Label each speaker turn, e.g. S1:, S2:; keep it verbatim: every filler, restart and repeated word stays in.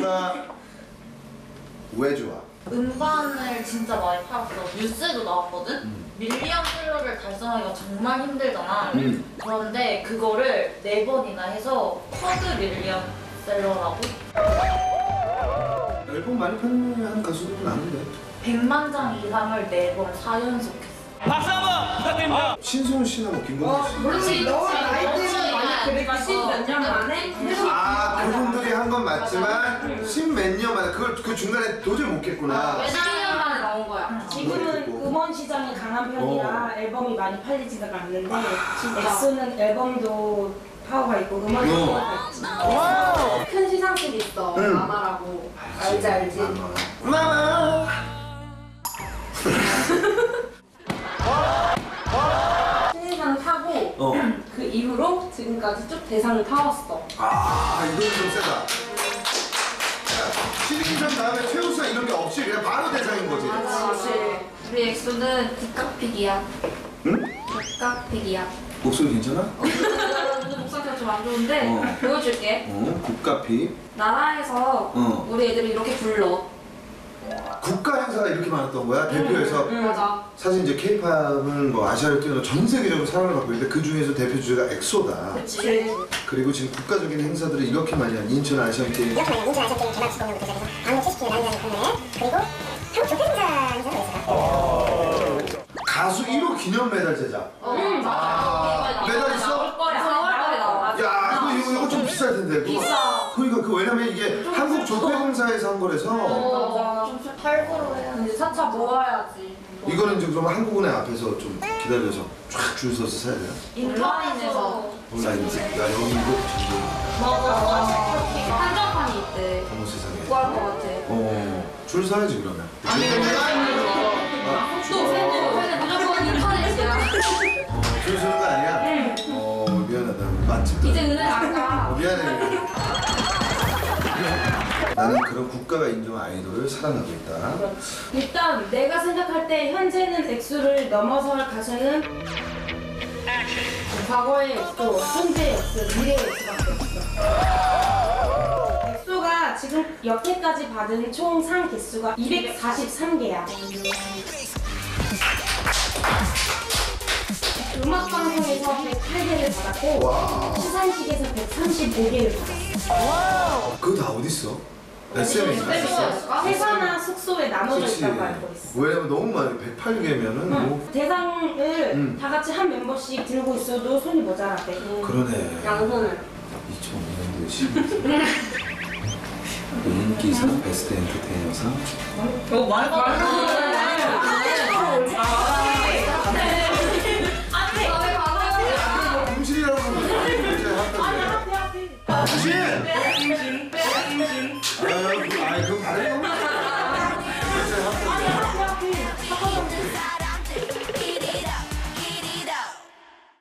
S1: 엑소가 왜 좋아?
S2: 음반을 진짜 많이 팔았어. 뉴스에도 나왔거든? 음. 밀리언셀러를 달성하기가 정말 힘들잖아. 음. 그런데 그거를 네 번이나 해서 쿼드 밀리언셀러라고?
S1: 앨범 많이 판매한 가수들은 아는데
S2: 백만 장 이상을 네 번 사 연속했어.
S3: 박수 한번 부탁드립니다.
S1: 신승훈 씨나 뭐 김건모 씨.
S2: 그렇지,
S4: 너 나이 때문에 많이 그랬지.
S2: 몇 년 만에?
S1: 아, 그분들이 한 건 맞지만 십몇 년 만에 그걸 그 중간에 도저히 못 깼구나.
S2: 십이 년 만에 나온 거야.
S4: 지금은 음원 시장이 강한 편이라 어. 앨범이 많이 팔리지가 않는데 엑소는 앨범도 파워가 있고 음원도
S1: 어.
S4: 파워가 있지.
S5: 큰 시상식이 있어.
S1: 응.
S5: 마마라고. 알지 알지.
S1: 마마.
S5: 신인상을 타고
S1: 어.
S5: 그 이후로 지금까지 쭉 대상을 타왔어.
S1: 아, 이건 좀 세다. 신인상 다음에 최우수상 이런 게 없이 그냥 바로 대상인 거지.
S5: 그렇지. 우리 엑소는 국각픽이야.
S1: 응?
S5: 국각픽이야.
S1: 목소리 괜찮아?
S5: 오늘 목소리가 좀 안 좋은데
S1: 어.
S5: 보여줄게.
S1: 어, 국가피.
S5: 나라에서
S1: 어.
S5: 우리 애들이 이렇게 불러.
S1: 국가 행사가 이렇게 많았던 거야? 대표에서.
S5: 응, 맞아.
S1: 사실 이제 케이팝은 뭐 아시아를 뛰어넘어 전 세계적으로 사랑을 받고 있는데 그 중에서 대표 주제가 엑소다.
S5: 그치.
S1: 그리고 지금 국가적인 행사들을 이렇게 많이 한 인천 아시안 게임.
S6: 이렇게 많이 인천 아시안 게임 개막 축구공연부터 시작해서 방역 칠십 주년 난리나는 공연회 그리고 한국 조폐 행사 행사도 있어요.
S1: 가수 일 호 기념 메달 제작.
S5: 응, 맞아.
S1: 메달 있어?
S5: 나올 거야. 사월달에 나와.
S1: 야, 이거 이거 이거 좀 비쌀 텐데. 그거.
S5: 비싸.
S1: 그러니까 그 왜냐면 이게 한국 조폐공사에서 한 거라서.
S5: 맞아.
S2: 좀 팔고로 해야
S5: 근데 차차 모아야지.
S1: 이거는 이제 그럼 한국은행 앞에서 좀 기다려서 쫙 줄 서서 사야 돼요.
S2: 인터넷에서.
S1: 온라인지. 야, 여기 이거 전부
S5: 맞아. 한정판이 있대.
S1: 어머 세상에.
S5: 구할 것 같아.
S1: 어, 줄 사야지 그러면.
S2: 아니, 온라인에서.
S5: 또 세는 세는 무조건 인터넷이야.
S1: 줄 서는 거 아니야? 응. 어, 미안하다. 맛집도.
S5: 이제 은행 안 가.
S1: 어, 미안해. 나는 그런 국가가 인정한 아이돌을 사랑하고 있다.
S4: 일단 내가 생각할 때 현재는 엑소를 넘어설 가수는 과거의 엑소, 현재의 엑소, 미래의 엑소밖에 없어. 엑소가 지금 여태까지 받은 총 상 개수가 이백사십삼 개야. 음악방송에서 백팔 개를 받았고
S1: 와.
S4: 시상식에서 백삼십오 개를 받았어.
S1: 그거 다 어딨어? 에스엠에 있어?
S4: 회사나 숙소에 나눠져
S1: 그치.
S4: 있다고 알고 있어.
S1: 왜냐면 너무 많이 백팔 개면은 뭐.
S4: 대상을
S1: 음.
S4: 다 같이 한 멤버씩 들고 있어도 손이 모자라대.
S1: 그러네.
S5: 양손을.
S1: 이천오 년도에 시작. 인기상, 베스트 엔터테이너상.
S2: 어, 말도 안 돼.
S1: 임신이라고 하면 임신!
S4: 앞에 앞에.
S1: 임신! 아유, 아이 그건 다른 거.